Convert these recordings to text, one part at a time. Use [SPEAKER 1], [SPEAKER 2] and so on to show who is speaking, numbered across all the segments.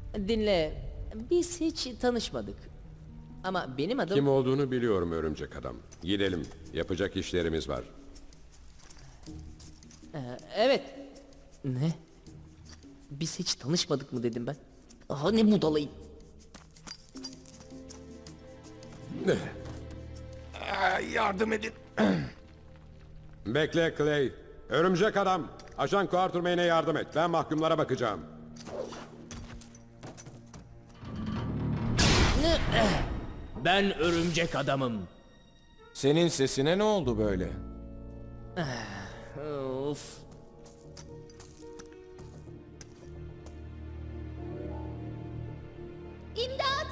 [SPEAKER 1] Dinle, biz hiç tanışmadık. Ama benim adım...
[SPEAKER 2] Kim olduğunu biliyorum örümcek adam. Gidelim. Yapacak işlerimiz var.
[SPEAKER 1] Evet. Ne? Biz hiç tanışmadık mı dedim ben. Aha ne budalayım.
[SPEAKER 3] Yardım edin.
[SPEAKER 2] Bekle Clay. Örümcek adam. Ajan Quatermain'e yardım et. Ben mahkumlara bakacağım.
[SPEAKER 4] Ben örümcek adamım.
[SPEAKER 3] Senin sesine ne oldu böyle?
[SPEAKER 1] Of.
[SPEAKER 5] İmdat!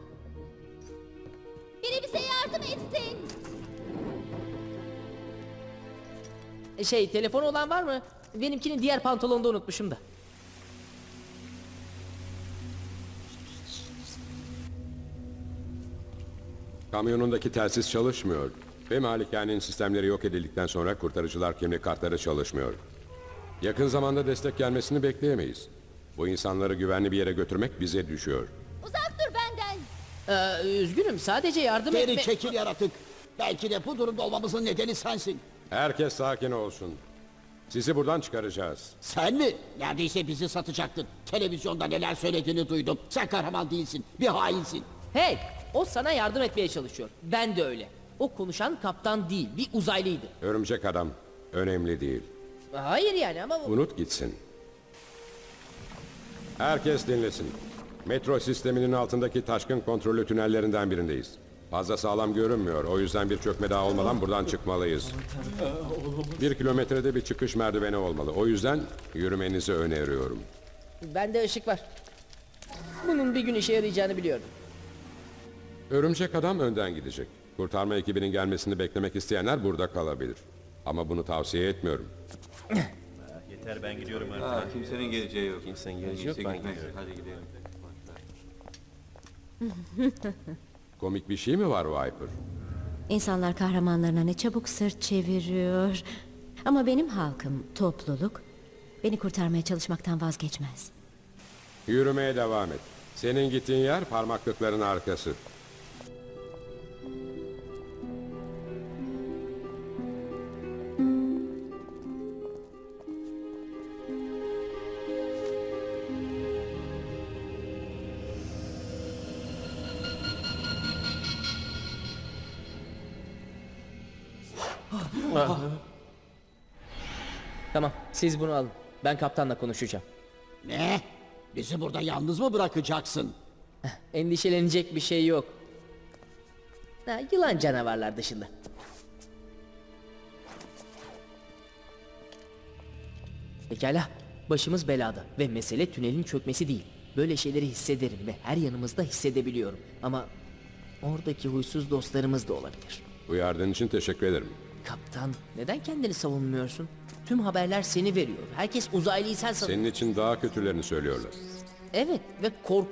[SPEAKER 5] Biri bize yardım etsin.
[SPEAKER 1] Telefonu olan var mı? Benimkini diğer pantolonda unutmuşum da.
[SPEAKER 2] Kamyonundaki telsiz çalışmıyor. Ve malikanenin sistemleri yok edildikten sonra kurtarıcılar kimlik kartları çalışmıyor. Yakın zamanda destek gelmesini bekleyemeyiz. Bu insanları güvenli bir yere götürmek bize düşüyor.
[SPEAKER 5] Uzak dur benden.
[SPEAKER 1] Üzgünüm, sadece yardım
[SPEAKER 6] Geri
[SPEAKER 1] etme...
[SPEAKER 6] çekil yaratık. Belki de bu durumda olmamızın nedeni sensin.
[SPEAKER 2] Herkes sakin olsun. Sizi buradan çıkaracağız.
[SPEAKER 6] Sen mi? Neredeyse bizi satacaktın. Televizyonda neler söylediğini duydum. Sen kahraman değilsin. Bir hainsin.
[SPEAKER 1] Hey! O sana yardım etmeye çalışıyor. Ben de öyle. O konuşan kaptan değil, bir uzaylıydı.
[SPEAKER 2] Örümcek adam. Önemli değil.
[SPEAKER 1] Hayır yani ama...
[SPEAKER 2] Unut gitsin. Herkes dinlesin. Metro sisteminin altındaki taşkın kontrollü tünellerinden birindeyiz. Fazla sağlam görünmüyor. O yüzden bir çökme daha olmadan buradan çıkmalıyız. 1 kilometrede bir çıkış merdiveni olmalı. O yüzden yürümenizi öneriyorum.
[SPEAKER 1] Bende ışık var. Bunun bir gün işe yarayacağını biliyordum.
[SPEAKER 2] Örümcek adam önden gidecek. Kurtarma ekibinin gelmesini beklemek isteyenler burada kalabilir. Ama bunu tavsiye etmiyorum.
[SPEAKER 7] Yeter ben gidiyorum artık.
[SPEAKER 8] Kimsenin geleceği yok.
[SPEAKER 7] Kimsenin geleceği yok, ben gidiyorum.
[SPEAKER 8] Hadi gidelim.
[SPEAKER 2] Komik bir şey mi var Viper?
[SPEAKER 9] İnsanlar kahramanlarına ne çabuk sırt çeviriyor. Ama benim halkım, topluluk, beni kurtarmaya çalışmaktan vazgeçmez.
[SPEAKER 2] Yürümeye devam et. Senin gittiğin yer parmaklıkların arkası.
[SPEAKER 1] Tamam, siz bunu alın. Ben kaptanla konuşacağım.
[SPEAKER 6] Ne? Bizi burada yalnız mı bırakacaksın?
[SPEAKER 1] Endişelenecek bir şey yok. Yılan canavarlar dışında. Pekala, başımız belada ve mesele tünelin çökmesi değil. Böyle şeyleri hissederim ve her yanımızda hissedebiliyorum. Ama oradaki huysuz dostlarımız da olabilir.
[SPEAKER 2] Uyardığın için teşekkür ederim.
[SPEAKER 1] Kaptan, neden kendini savunmuyorsun? Tüm haberler seni veriyor. Herkes uzaylıyı sen sanıyor.
[SPEAKER 2] Senin için daha kötülerini söylüyorlar.
[SPEAKER 1] Evet ve korku